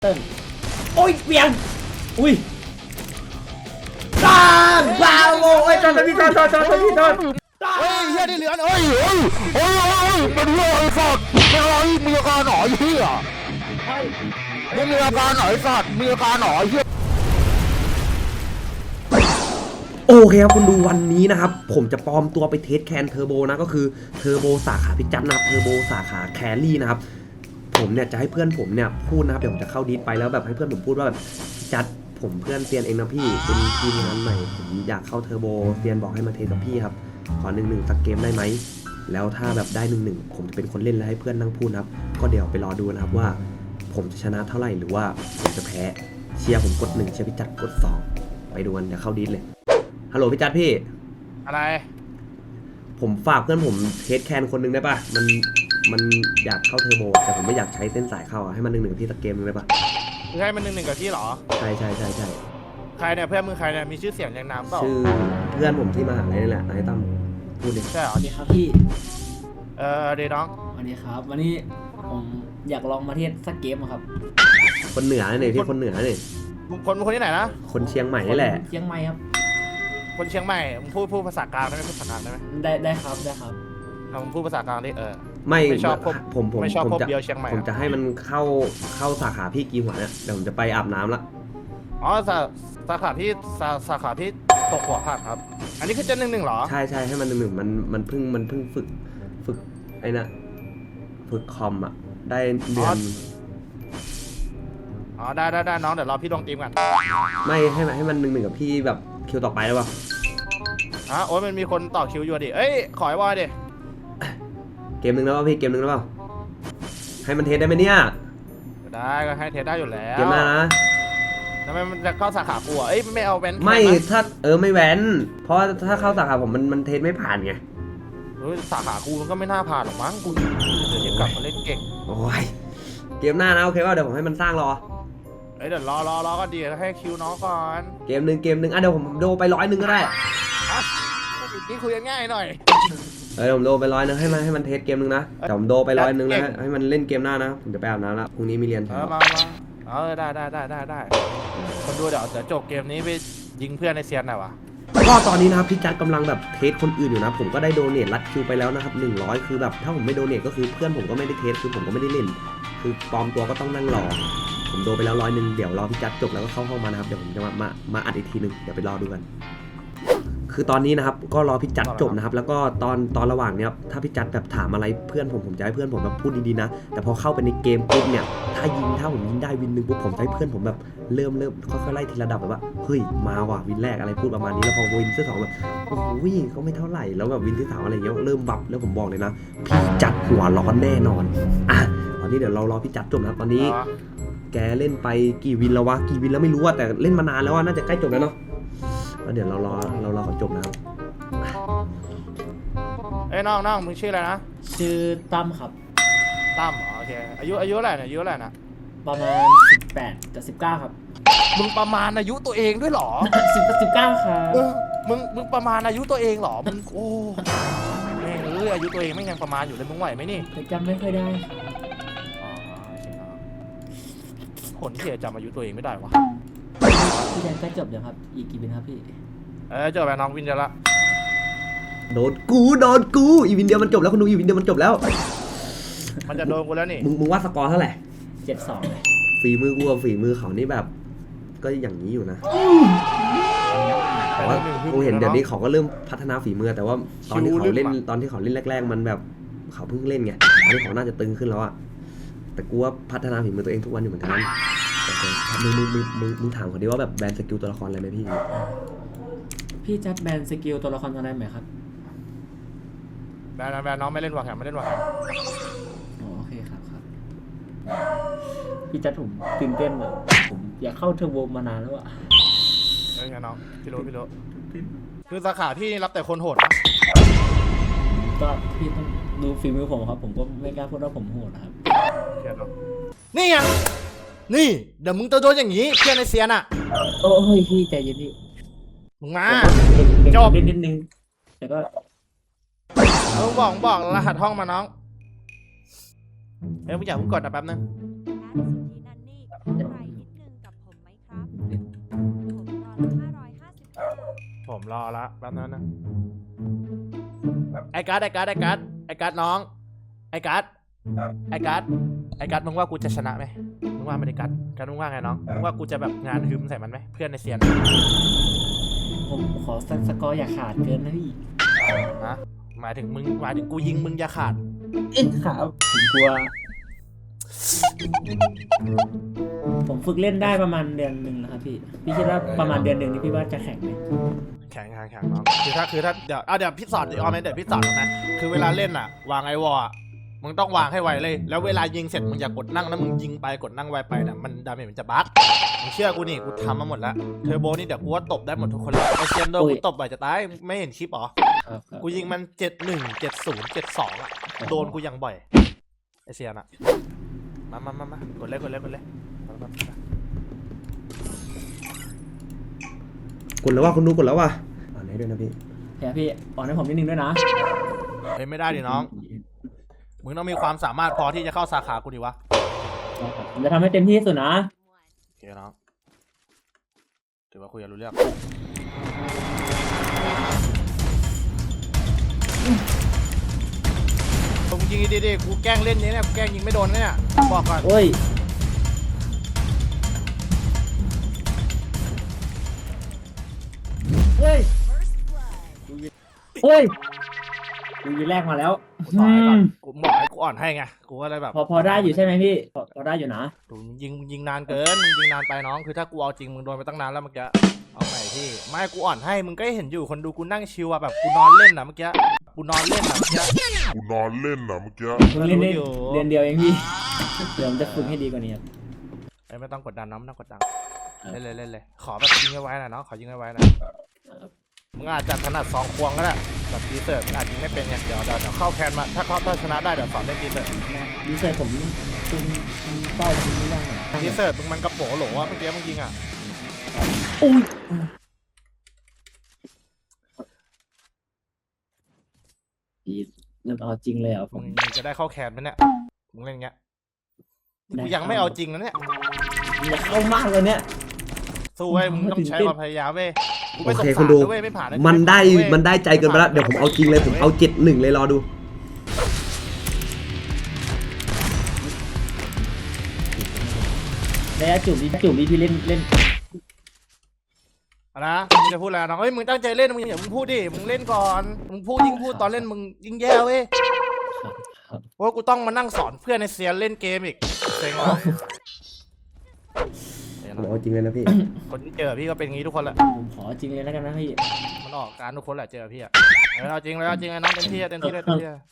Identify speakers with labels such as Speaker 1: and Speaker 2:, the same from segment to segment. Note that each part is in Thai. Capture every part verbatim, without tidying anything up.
Speaker 1: เติ้ลโอ้ยเปียงอุ้ยบ้างบ้าโอ้ยจอนพี่จอนจอนจอนพี่จอน
Speaker 2: เฮ้ยเฮียได้เหลือเฮ้ยเฮ้ยเฮ้ยเฮ้ยเป็นเรื่องไอ้สัตว์เป็นอะไรมีอาการหนอยเฮียมึงมีอาการหนอยสัตว์มีอาการหนอยเฮีย
Speaker 1: โอเคครับคุณดูวันนี้นะครับผมจะปลอมตัวไปเทสแคนเทอร์โบนะก็คือเทอร์โบสาขาพิจัดนะครับเทอร์โบสาขาแครี่นะครับผมเนี่ยจะให้เพื่อนผมเนี่ยพูดนะครับเดี๋ยวผมจะเข้าดิสไปแล้วแบบให้เพื่อนผมพูดว่าแบบจัดผมเพื่อนเซียนเองนะพี่เป็นทีมงานใหม่ผมอยากเข้าเทอร์โบเซียนบอกให้มาเทสกับพี่ครับขอหนึ่งหนึ่งสักเกมได้ไหมแล้วถ้าแบบได้หนึ่งหนึ่งผมจะเป็นคนเล่นแล้วให้เพื่อนนั่งพูดครับก็เดี๋ยวไปรอดูนะครับว่าผมจะชนะเท่าไหร่หรือว่าผมจะแพ้เชียร์ผมกดหนึ่งเชียร์พี่จัดกดสองไปดูกันเดี๋ยวเข้าดิสเลยฮัลโหลพี่จัดพี่
Speaker 2: อะไร
Speaker 1: ผมฝากเพื่อนผมเทสแคนคนนึงได้ป่ะมันมันอยากเข้าเทอร์โบแต่ผมไม่อยากใช้เส้นสายเข้าอ่ะให้มันหนึ่งหนึ่งพี่สักเกมนึงได้ป่ะ
Speaker 2: คือให้มันหนึ่งหนึ่งกับพี่หรอ
Speaker 1: ใช่ใช่ใช่ใช่
Speaker 2: ใครเนี่ยเพื่อนมึงใครเนี่ยมีชื่อเสียงอย่างน้ำเปล่า
Speaker 1: ชื่อเพื่อนผมที่มหาลัยนี่แหละนายตั้มพูดดิ
Speaker 2: ใช่เหรอ
Speaker 3: สวัสดีครับพี่
Speaker 2: เออเดน้อง
Speaker 3: สวัสดีครับวันนี้ผมอยากลองมาเทสสักเกมครับ
Speaker 1: คนเหนือเนี่ยพี่คนเหนือเนี่ย
Speaker 2: คนคนที่ไหนนะ
Speaker 1: คนเชียงใหม่นี่แหละ
Speaker 3: เชียงใหม่ครับ
Speaker 2: คนเชียงใหม่มึงพูดพูดภาษากลางได้ไหมพูดภาษากลางได้ไหม
Speaker 3: ได้ได้ครับได้ครับ
Speaker 2: เราพูดภาษากลางดิเออ
Speaker 1: ไม่
Speaker 2: ชอบผม
Speaker 1: ผมผม
Speaker 2: ไม่ชอบ
Speaker 1: ผม
Speaker 2: จะเดียวเชียงใหม่
Speaker 1: ผมจะให้มันเข้าเข้าสาขาพี่กีหัวเนี่ยเดี๋ยวผมจะไปอาบน้ำละ
Speaker 2: อ๋อสาสาขาที่สาสาขาที่ตกหัวผักครับอันนี้คือจะหนึ่งหนึ่งหรอ
Speaker 1: ใช่ใช่ให้มันหนึ่งหนึ่งมันมันเพิ่งมันเพิ่งฝึกฝึกไอ้น่ะฝึกคอมอ่ะได้เดือน
Speaker 2: อ๋อได้ได้ได้น้องเดี๋ยวรอพี่ลงทีมกัน
Speaker 1: ไม่ให้มันให้มันหนึ่งหนึ่งกับพี่แบบคิวต่อไปได้ป่ะ
Speaker 2: อ๋อโอ้ยมันมีคนต่อคิวอยู่ดิเอ้ยขอไอ้บอยดิ
Speaker 1: เกมหนึ่งแล้วป่ะพี่เกมหนึ่งแล้วป่ะให้มันเทสได้ไหมเนี่ย
Speaker 2: ได้ก็ให้เทสได้อยู่แล้ว
Speaker 1: เกมหน้านะ
Speaker 2: ทำไมมันจะเข้าสาขากูอ่ะเอ้ยไม่เอาแวน
Speaker 1: ไม่ถ้าเออไม่แวนเพราะถ้าเข้าสาขาผมมันมันเทสไม่ผ่านไง
Speaker 2: เฮ้ยสาขากูมันก็ไม่น่าผ่านหรอกมั้งกูเดี๋ยวกลับมาเล่นเก่ง
Speaker 1: โอ้ยเกมหน้านะโอเคว่าเดี๋ยวผมให้มันสร้างรอ
Speaker 2: เอ้ยเดี๋ยวรอรอรอก็ดีให้คิวน้องก่อน
Speaker 1: เกมหนึ่งเกมหนึ่งอ่ะเดี๋ยวผมโดไปร้อยหนึ่งก็ได้
Speaker 2: นี่คุยกันง่ายหน่อย
Speaker 1: เออผมโดไปร้อยนึงให้มันให้มันเทสเกมนึงนะแต่ผมโดไปร้อยนึงแล้วให้มันเล่นเกมหน้านะผมจะไปอาบน้ำแล้วพรุ่งนี้มีเรียน
Speaker 2: เออมามาเออได้ได้ได้ได้ได้คนดูเดี๋ยวเดี๋ยวจบเกมนี้ไปยิงเพื่อนในเซียนหน่อยวะ
Speaker 1: ก็ตอนนี้นะครับพี่จัดกำลังแบบเทสคนอื่นอยู่นะผมก็ได้โดเนทรัดคิวไปแล้วนะครับหนึ่งร้อยคือแบบถ้าผมไม่โดเนทก็คือเพื่อนผมก็ไม่ได้เทสคือผมก็ไม่ได้เล่นคือปลอมตัวก็ต้องนั่งรอผมโดไปแล้วร้อยนึงเดี๋ยวรอพี่จัดจบแล้วก็เข้าห้องมานะครับเดี๋ยวผมจะมามามาอัดอีกทีนึงเดี๋ยวไปรอดูกันคือตอนนี้นะครับก็รอพี่จัดจบนะครับแล้วก็ตอนตอนระหว่างเนี้ยถ้าพี่จัดแบบถามอะไรเพื่อนผมผมจะให้เพื่อนผมแบบพูดดีๆนะแต่พอเข้าไปในเกมปุ๊บเนี่ยถ้ายิงถ้าผมยิงได้วินหนึ่งปุ๊บผมจะให้เพื่อนผมแบบเริ่มเริ่มค่อยๆไล่ทีละดับแบบว่าเฮ้ยมาว่ะวินแรกอะไรพูดประมาณนี้แล้วพอวินที่สองแบบโอ้โหเขาไม่เท่าไหร่แล้วแบบวินที่สามอะไรเงี้ยเริ่มบับแล้วผมบอกเลยนะพี่จัดหัวร้อนแน่นอนอ่ะตอนนี้เดี๋ยวเรารอพี่จัดจบนะครับตอนนี้แกเล่นไปกี่วินแล้ววะกี่วินแล้วไม่รู้อะแต่เล่นมานานแล้วอะน่าจะใกล้จบแล้วเนาะแล้วเดี๋ยวเรารอเรารอเขาจบนะครับ
Speaker 2: เอ้ยน้องน้องมึงชื่ออะไรนะ
Speaker 3: ชื่อตั้มครับ
Speaker 2: ตั้มโอเคอายุอายุอะไรเนี่ยอายุอะไรนะ
Speaker 3: ประมาณสิบแปดกับสิบเก้าครับ
Speaker 2: มึงประมาณอายุตัวเองด้วยหรอ
Speaker 3: สิบกับสิบเก้าครับ
Speaker 2: มึงมึงประมาณอายุตัวเองหรอมึงโอ้แม่งเอ้ยอายุตัวเองไม่ยังประมาณอยู่เลยมึงไหวไหมนี่
Speaker 3: แต่จำไม่ค่อยได้
Speaker 2: คนที่จำอายุตัวเองไม่ได้วะ
Speaker 3: พี่แดนใกล้จบเดี๋ยวครับอีกกี่วินครับพี่
Speaker 2: เออจบแล้วน้องวินจะละ
Speaker 1: โดนกูโดนกูอีวินเดียวมันจบแล้วคุณดูอีวินเดียวมันจบแล้ว
Speaker 2: มันจะโดนกูแล้วนี่
Speaker 1: มึงมึงว่าสกอร์เท่าไหร่
Speaker 3: เจ็ดสองเลย
Speaker 1: ฝีมือกูกับฝีมือเขานี่แบบก็อย่างนี้อยู่นะแต่ว่ากูเห็นเดี๋ยวนี้เขาก็เริ่มพัฒนาฝีมือแต่ว่าตอนที่เขาเล่นตอนที่เขาเล่นแรกๆมันแบบเขาเพิ่งเล่นไงตอนนี้เขาน่าจะตึงขึ้นแล้วอะแต่กูว่าพัฒนาฝีมือตัวเองทุกวันอยู่เหมือนกันมึงมึงมึงมึงมึงถามเขาดิว่าแบบแบนสกิลตัวละครอะไรไหมพี่
Speaker 3: พี่จัดแบนสกิลตัวละครอะไรไหมครับ
Speaker 2: แบนแบนน้องไม่เล่นวางแผนไม่เล่นวางแผน
Speaker 3: โอเคครับครับพี่จัดผมตื่นเต้นแบบผมอยากเข้าเทอร์โบมานานแล้วอะ
Speaker 2: เฮ้ยน้องพี่รู้พี่รู้คือสาขาพี่รับแต่คนโหดนะ
Speaker 3: ก็พี่ต้องดูฝีมือผมครับผมก็ไม่กล้าพูดว่าผมโหดนะครับ
Speaker 2: นี่ไงนี่เดี๋ยวมึงจะโดนอย่างนี้เพื่อนในเซียนอ่ะ
Speaker 3: โอ้ยพี่ใจเย็นพี่
Speaker 2: มึงมา
Speaker 3: จบนิดนึงแต่ก็
Speaker 2: มึงบอกบอกรหัสห้องมาน้องเฮ้ยมึงอยากมึงกดนะแป๊บนึง
Speaker 4: ผมรอละแป๊บนึงนะไอ้การ์ดไอ้การ์ดไอ้การ์ดไอ้การ์ดน้องไอ้การ์ดไอ้การ์ดไอ้การ์ดมึงว่ากูจะชนะไหมมึงว่าไม่ได้การ์ดการ์ดมึงว่าไงน้องมึงว่ากูจะแบบงานฮึมใส่มันไหมเพื่อนในเซียน
Speaker 3: ผมขอสกอร์อย่าขาดเกินนะพี่
Speaker 4: ฮะหมายถึงมึงหมายถึงกูยิงมึงอย่าขาด
Speaker 3: เอ๊ะครับผมกลัว ผมฝึกเล่นได้ประมาณเดือนหนึ่งนะครับพี่พี่คิดว่าประมาณเดือนหนึ่งนี่พี่ว่าจะแข่งไหม
Speaker 4: แข่งแข่งแข่งน้องคือถ้าคือถ้าเดี๋ยวเอาเดี๋ยวพี่สอนเดี๋ยวเอาไหมเดี๋ยวพี่สอนนะคือเวลาเล่นอ่ะวางไอวอลอะมึงต้องวางให้ไวเลยแล้วเวลายิงเสร็จมึงอย่ากดนั่งนะมึงยิงไปกดนั่งไวไปนะมันดาเมจมันจะบั๊กมึงเชื่อกูนี่กูทำมาหมดแล้วเทอร์โบนี่เดี๋ยวกูว่าตบได้หมดทุกคนเลยไอเซียนโดนกูตบไปจะตายไม่เห็นคลิปหรอ
Speaker 3: ครับครับ
Speaker 4: กูยิงมันเจ็ดหนึ่งเจ็ดศูนย์เจ็ดสองอ่ะโดนกูยังบ่อยไอเซียนอ่ะมามามามากดเลยกดเลยกดเลย
Speaker 1: กดแล้วว่าคุณดูกดแล้วว่ะอ่านให้ด้วยนะพี่
Speaker 3: เดี๋ยวพี่อ่อนให้ผมนิดนึงด้วยนะ
Speaker 4: เฮ้ยไม่ได้ดิน้องมึงต้องมีความสามารถพอที่จะเข้าสาขากูดิวะ
Speaker 3: ผมจะทำให้เต็มที่ที่สุดนะ
Speaker 4: โอเคน้องถือว่าคุยกันรู้เรื่องผมยิงดีๆกูแกล้งเล่นนี้เนี่ยกูแกล้งยิงไม่โดนเนี่ยบอกก่อน
Speaker 3: โอ้ยเฮ้ยเฮ้ยดูยืนแรกมาแล้ว
Speaker 4: กูต่อให้ก่อนกูบอกให้กูอ่อนให้ไงกูก็เลยแบบ
Speaker 3: พอพอได้อยู่ใช่ไหมพี่พอพอได้อยู่นะ
Speaker 4: ดูยิงยิงนานเกินมึงยิงนานไปน้องคือถ้ากูเอาจริงมึงโดนไปตั้งนานแล้วเมื่อกี้เอาใหม่พี่ไม่กูอ่อนให้มึงก็เห็นอยู่คนดูกูนั่งชิวอะแบบกูนอนเล่นอะเมื่อกี้กูนอนเล่นอะเมื่อกี้
Speaker 5: กูนอนเล่นนะเมื่อกี้
Speaker 3: เพิ่งเล่นได้
Speaker 4: รู้อยู่
Speaker 3: เดือนเดียวเองพี่เดี๋ยวผมจะฝึกให้ดีกว่านี้ครับ
Speaker 4: เอ้ยไม่ต้องกดดันน้องไม่ต้องกดดัน
Speaker 3: ครับ
Speaker 4: เล่นเลยเล่นเลยขอแบบยิงไว้ๆหน่อยน้องขอยิงไว้ๆหน่อยมึงอาจจะถนัดสองควงก็ได้แบบดีเซอร์มึงอาจยิงไม่เป็นไงเดี๋ยวเดี๋ยวเดี๋ยวเข้าแคนมาถ้าเขาถ้าชนะได้เดี๋ยวสอนเล่นดีเซอร์
Speaker 3: ดีเซลผมคุณเป้าคุณไม่ได้หรอ
Speaker 4: ดีเซอร์มึงมันกระโปงโหลว่าเมื่อกี้มึงยิงอ่ะ
Speaker 3: อุ้ยพี่เริ่มเอาจริงเลยเหรอ่ะผ
Speaker 4: มึ
Speaker 3: ม
Speaker 4: งจะได้เข้าแคนไหมเนี่ยมึงเล่นอย่างเงี้ย
Speaker 3: ได้
Speaker 4: กูยังไม่เอาจริงนะเนี่ย
Speaker 3: อยากเข้ามากเลยเนี่ย
Speaker 4: สู้เว้ยมึงต้องใช้ความพยายามเว้ยกู
Speaker 1: โอ
Speaker 4: ไม่สง
Speaker 1: เค
Speaker 4: สาร
Speaker 1: คุณดู
Speaker 4: นะเว้ยไม่ผ่านนะ
Speaker 1: มันได้
Speaker 4: กูผ่าเว้ย
Speaker 1: มันได้ใจเกินไปแล้วเดี๋ยวผมเอาจริงเลยผมเอาเจ็ดหนึ่งเลยรอดู
Speaker 3: แล้วจุ่มดีจุ่มดีพี่เล่นเล่น
Speaker 4: เอานะมึงจะพูดอะไรน้องเฮ้ยมึงตั้งใจเล่นมึงอย่ามึงพูดดิมึงเล่นก่อนมึงพูดยิ่งพูดตอนเล่นมึงยิ่งแย่เว้ย
Speaker 3: ครับ
Speaker 4: เพราะว่ากูต้องมานั่งสอนเพื่อนในเซียนเล่นเกมอีกเซ็งว่ะ
Speaker 1: ผมเอาจริงเลยนะพี่
Speaker 4: คนที่เจอพี่ก็เป็นอย่างงี้ทุกคนแหละ
Speaker 3: ผมขอจริงเลยแล้วกันนะพี่
Speaker 4: มันออกการทุกคนแหละเจอพี่อะเอาเอาจริงเลยเอาจริงเลยน้องเต็มที่อะเต็มที่เลยเต็มที่เลย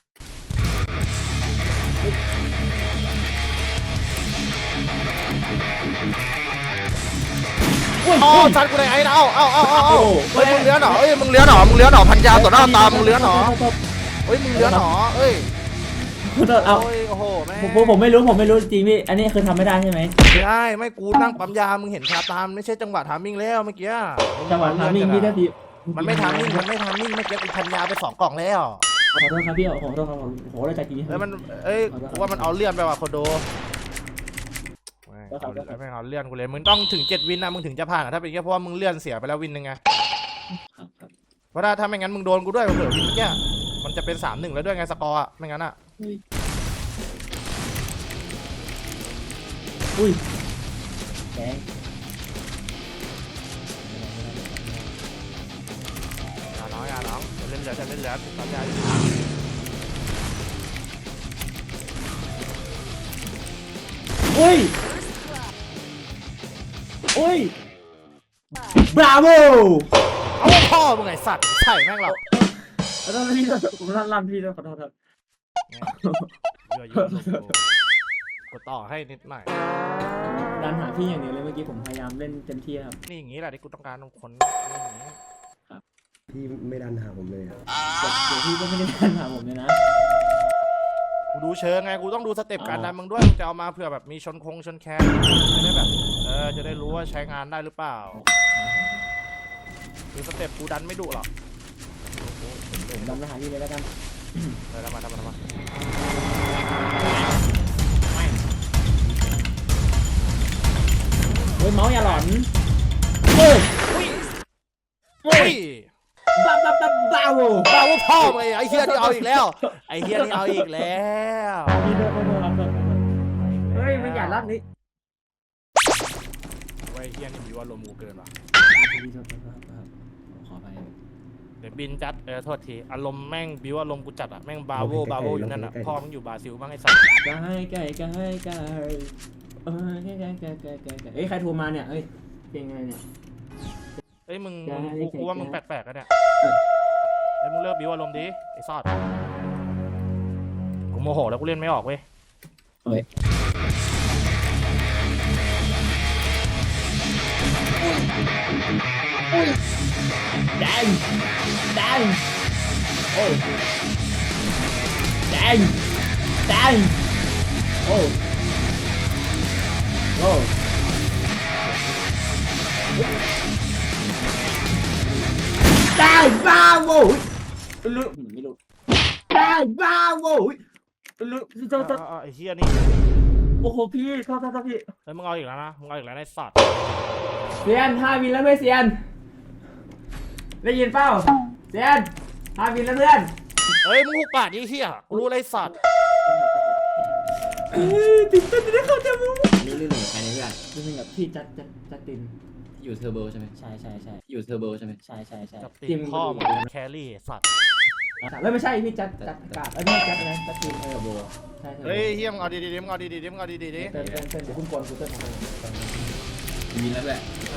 Speaker 4: อ๋อจัดกูเลยไอ้นะเอาเอาเอาเอาเอาเฮ้ยมึงเลี้ยหนอเอ้ยมึงเลี้ยหนอมึงเลี้ยหนอพันยาต่อหน้าตามึงเลี้ยหนอเฮ้ยมึงเลี้ยหนอเอ้ย
Speaker 3: ขอโทษเอา
Speaker 4: โอ้ยโอ้โหแม่
Speaker 3: ผมผมผมไม่รู้ผมไม่รู้จริงพี่อันนี้คือทำไม่ได้ใช่ไหม
Speaker 4: ไม่ได้ไม่กูนั่งปั๊มยามึงเห็นชาตามไม่ใช่จังหวะทามมิ่งแล้วเมื่อกี้
Speaker 3: จังหวะทามิ่งพี่ถ้าพี่
Speaker 4: มันไม่ทามมิ่งมันไม่ทามมิ่งเมื่อกี้กูพันยาไปสองกล่องแล้ว
Speaker 3: ขอโทษครับพี่ขอโทษครับผมโหได้ใจจริง
Speaker 4: เอ้ยมันเอ้ยกูว่ามันเอาเลื่อนไปว่ะโคโดเอาไม่เอาเลื่อนกูเลยมึงต้องถึงเจ็ดวินนะมึงถึงจะผ่านอะถ้าเป็นแค่เพราะว่ามึงเลื่อนเสียไปแล้ววินหนึ่งไง
Speaker 3: ครับครับ
Speaker 4: เพราะถ้าถ้าไม่งั้นมึงโดนกูด้วยเผื่อวินเมื่อกี้มันจะเป็นสามหนึ่งแล้วด้วยไงสกอร์อะไม่งั้นอะ
Speaker 3: อุ้ยแดง
Speaker 4: อย่าน้องอย่าน้องจะเล่นเหลือจะเล่นเหลือปั๊มยาอยู่
Speaker 3: อุ้ยอุ้ยบราโว
Speaker 4: เอาพ่อมึงไงสัตว์ใช่แม่งเรา
Speaker 3: ขอโทษพี่ผมลั่นลั่นพี่ด้วยขอโทษครับ
Speaker 4: เยอะเยอะกดต่อให้นิดหน่อย
Speaker 3: ดันหาพี่อย่างเดียวเลยเมื่อกี้ผมพยายามเล่นเต็มที่ครับ
Speaker 4: นี่อย่างนี้แหละที่กูต้องการคนอย่างนี้
Speaker 1: พี่ไม่ดันหาผมเลยอะ
Speaker 3: เดี๋ยวพี่ก็ไม่ได้ดันหาผมเลยนะ
Speaker 4: กูดูเชิงไงกูต้องดูสเต็ปการดันมึงด้วยมึงจะเอามาเผื่อแบบมีชนคงชนแคนจะได้แบบเออจะได้รู้ว่าใช้งานได้หรือเปล่าคือสเต็ปกูดันไม่ดุหรอก
Speaker 3: ผมดันมาหาพี่เลยแล้วกัน
Speaker 4: เลยทำมาทำมาทำมา
Speaker 3: เฮ้ยเมาส์อย่าหลอนเฮ้ย
Speaker 4: เฮ้ย
Speaker 3: โว
Speaker 4: บ้าว่าพ่อมึงไอ้เฮียนี่เอาอีกแล้วไอ้เฮียนี่เอาอีกแล้ว
Speaker 3: เฮ้ยมันอย่าลั่นนี่
Speaker 4: ไอ้เฮียนี่มีว่าลมกูเกินว่ะ
Speaker 3: ขอไป
Speaker 4: เดี๋ยวบินจัดเออโทษทีอารมณ์แม่งบิวอารมณ์กูจัดอะแม่งบาโวบาโวอยู่นั่นอะพ่อมึงอยู่บราซิลบ้างไอ้สัส
Speaker 3: ไก่ไก่ไก่ไก่เออไก่ไก่ไก่ไก่ไก่ไก่เอ้ยใครโทรมาเนี่ยเอ้ยเป็นไงเนี่ย
Speaker 4: เอ้ยมึง
Speaker 3: ได้
Speaker 4: มึงกูกูว่ามึงแปลกๆกันเนี่ยไอ้ยมึงเลิกบิวอารมณ์ดิไอ้ซอดกูโมโหแล้วกูเล่นไม่ออกเว้ย
Speaker 3: เฮ้ยแดงแดงโอ้แดงแดงโอ้โอ้ได้บ้าโว้ยลุไม่รู้ได้บ้าโว้ยลุโทษโทษ
Speaker 4: อ่าๆไอ้เฮียนี่
Speaker 3: โอ้โหพี่โทษโทษโทษพี่
Speaker 4: เฮ้ยมึงเอาอีกแล้วนะมึงเอาอีกแล้วไอ้สัตว์
Speaker 3: เซียนห้าวินแล้วไม่เซียนได้ยินเปล่าเซียนห้าวินแล้วเพื่อน
Speaker 4: เฮ้ยมึงหุบปากดิเฮียกูรู้อะไรสัตว์
Speaker 3: ติดเต้นจะได้เข้าใจมึงนี่เรื่องหนึ่งใครในเพื่อนเรื่องหนึ่งกับพี่จัดจัดจัดตินอยู่เทอร์โบใช่ไหมใช่ใช่ใช่อยู่เทอร์โบใช่ไหมใช่ใช่ใช่
Speaker 4: กับตีมพ่อมึงแครี่ไอ้สัตว์
Speaker 3: ไม่ไม่ใช่พี่จัดจัดอากาศเอ้ยไม่จัดอะไรจัดตินเทอร์โบใช่เทอร์โบ
Speaker 4: เฮ้ยเฮียมึงเอาดีๆดิมึงเอาดีๆดิมึงเอาดีๆดิ
Speaker 3: เต้นเต้นเต้นเดี๋ยวคุณกวนคุณเต้นของมึง
Speaker 2: มีแล้วแหละ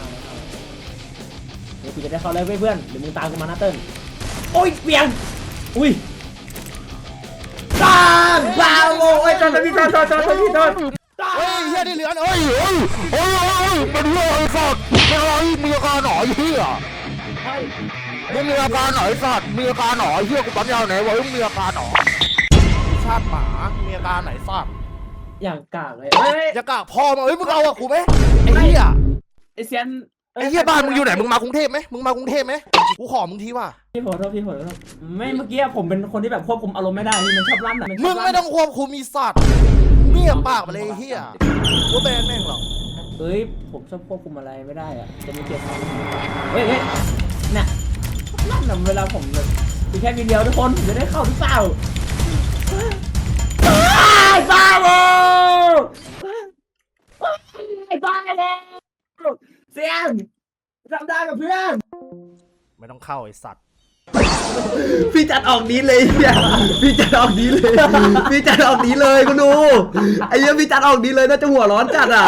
Speaker 3: เดี๋ยวกูจะได้เข้าเลยเพื่อนเดี๋ยวมึงตามกูมานะเติ้ลโอ้ยเปลี่ยนอุ้ยตามบ้าโว้ยตอนตอนพี่ตอนตอนตอนตอนพี่ตอน
Speaker 4: เฮ้ยเฮียนี่เหลือเฮ้ย
Speaker 2: เฮ้ยเฮ้ยเฮ้ยเป็นเหี้ยไอ้สัตว์เป็นอะไรมีอาการหนอเหี้ยมึงมีอาการหนอไอ้สัตว์มีอาการหนอเหี้ยกูปั๊มยาวไหนวะมึงมีอาการหนอ
Speaker 4: ชาติหมามีอาการไหนสัตว์
Speaker 3: อย่างกากเลยเฮ้ย
Speaker 4: อย่ากากพ่อมาเฮ้ยมึงเอาอะกูไหมไอ้เฮีย
Speaker 3: ไอเซียน
Speaker 4: ไอ้เฮียบ้านมึงอยู่ไหนมึงมากรุงเทพไหมมึงมากรุงเทพไหมกูขอมึงทีว่ะ
Speaker 3: พี่ขอโทษพี่ขอโทษไม่เมื่อกี้ผมเป็นคนที่แบบควบคุมอารมณ์ไม่ได้พี่มันชอบลั่นอ่ะ
Speaker 4: มึงไม่ต้องควบคุมมีสัตว์เงียบปากไปเลยไอ้เฮียกูแบนแม่งหรอก
Speaker 3: เฮ้ยผมชอบควบคุมอะไรไม่ได้อ่ะจะมีเกียรติเฮ้ยเฮ้ยเนี่ยลั่นอ่ะเวลาผมแบบมีแค่วิดีโอทุกคนผมจะได้เข้าหรือเปล่าไอ้บ้าโว้ไอ้บ้าเลยเซียนทำได้กับเพื่อน
Speaker 4: ไม่ต้องเข้าไอ้สัตว์
Speaker 1: พี่จัดออกนี้เลยเนี่ยพี่จัดออกนี้เลยพี่จัดออกนี้เลยคุณดูไอ้เหี้ยพี่จัดออกนี้เลยน่าจะหัวร้อนจัดอ่ะ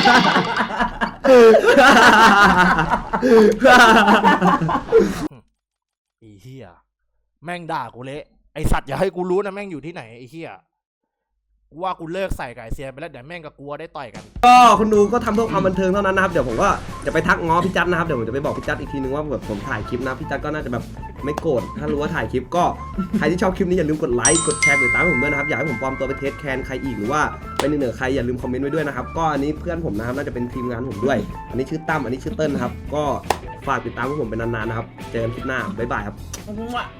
Speaker 4: ไอ้เฮียแม่งด่ากูเละไอ้สัตว์อย่าให้กูรู้นะแม่งอยู่ที่ไหนไอ้เฮียกูว่ากูเลิกใส่ไก่เซียนไปแล้วเดี๋ยวแม่งกับกูได้ต่อยกัน
Speaker 1: ก็คุณดูก็ทำเพื่อความบันเทิงเท่านั้นนะครับเดี๋ยวผมก็จะไปทักง้อพี่จัดนะครับเดี๋ยวผมจะไปบอกพี่จัดอีกทีนึงว่าแบบผมถ่ายคลิปนะพี่จัดก็น่าจะแบบไม่โกรธถ้ารู้ว่าถ่ายคลิปก็ใครที่ชอบคลิปนี้อย่าลืมกดไลค์กดแชร์กดติดตามผมด้วยนะครับอยากให้ผมปลอมตัวไปเทสแคนใครอีกหรือว่าเป็นเหนือใครอย่าลืมคอมเมนต์ไว้ด้วยนะครับก็อันนี้เพื่อนผมนะครับน่าจะเป็นทีมงานผมด้วย อันนี้ชื่อตั้มอันนี้ชื่อเติ้ลนะครับก็ฝากติดตามพวกผมเป็นนานๆนะครับเจอกันคลิปหน้าบ๊ายบายครับ